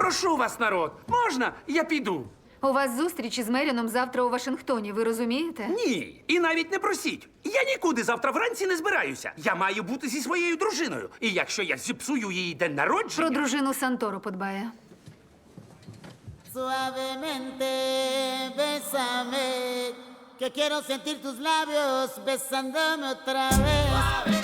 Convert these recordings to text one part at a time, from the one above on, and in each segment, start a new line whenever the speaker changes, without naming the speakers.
Прошу вас, народ, можна? Я піду.
У вас зустріч із Меріном завтра у Вашингтоні, ви розумієте?
Ні, і навіть не просіть. Я нікуди завтра вранці не збираюся. Я маю бути зі своєю дружиною. І якщо я зіпсую її день народження...
Про дружину Санторо подбає.
Suavemente, bésame, que quiero sentir tus labios besándome otra vez.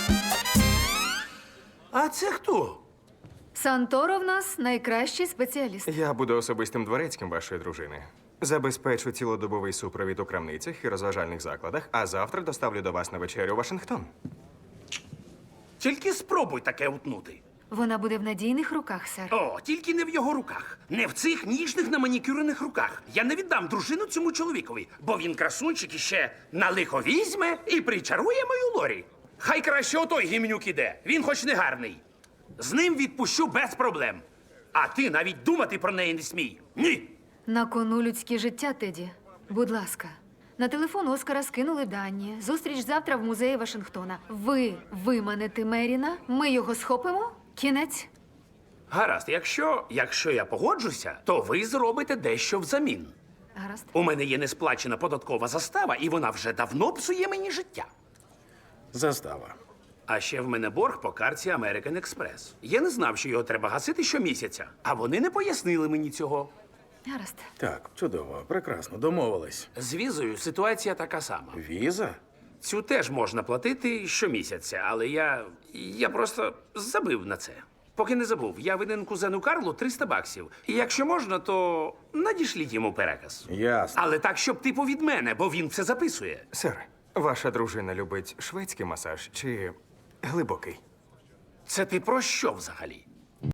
А це хто?
Санторо в нас найкращий спеціаліст.
Я буду особистим дворецьким вашої дружини. Забезпечу цілодобовий супровід у крамницях і розважальних закладах, а завтра доставлю до вас на вечерю у Вашингтон.
Тільки спробуй таке утнути.
Вона буде в надійних руках, сер.
О, тільки не в його руках. Не в цих ніжних наманікюрених руках. Я не віддам дружину цьому чоловікові, бо він красунчик іще на лихо візьме і причарує мою Лорі. Хай краще отой гімнюк іде. Він хоч не гарний. З ним відпущу без проблем. А ти навіть думати про неї не смій. Ні.
На кону людське життя, Теді. Будь ласка. На телефон Оскара скинули дані. Зустріч завтра в музеї Вашингтона. Ви виманете Меріна, ми його схопимо. Кінець.
Гаразд, якщо я погоджуся, то ви зробите дещо взамін.
Гаразд.
У мене є несплачена податкова застава, і вона вже давно псує мені життя.
Застава.
А ще в мене борг по карті American Express. Я не знав, що його треба гасити щомісяця, а вони не пояснили мені цього.
Гаразд.
Так, чудово, прекрасно, домовились.
З візою ситуація така сама.
Віза?
Цю теж можна платити щомісяця, але я просто забив на це. Поки не забув, я винен кузену Карлу $300. І якщо можна, то надішліть йому переказ.
Ясно.
Але так, щоб типу від мене, бо він все записує.
Сер, ваша дружина любить шведський масаж чи глибокий?
Це ти про що взагалі?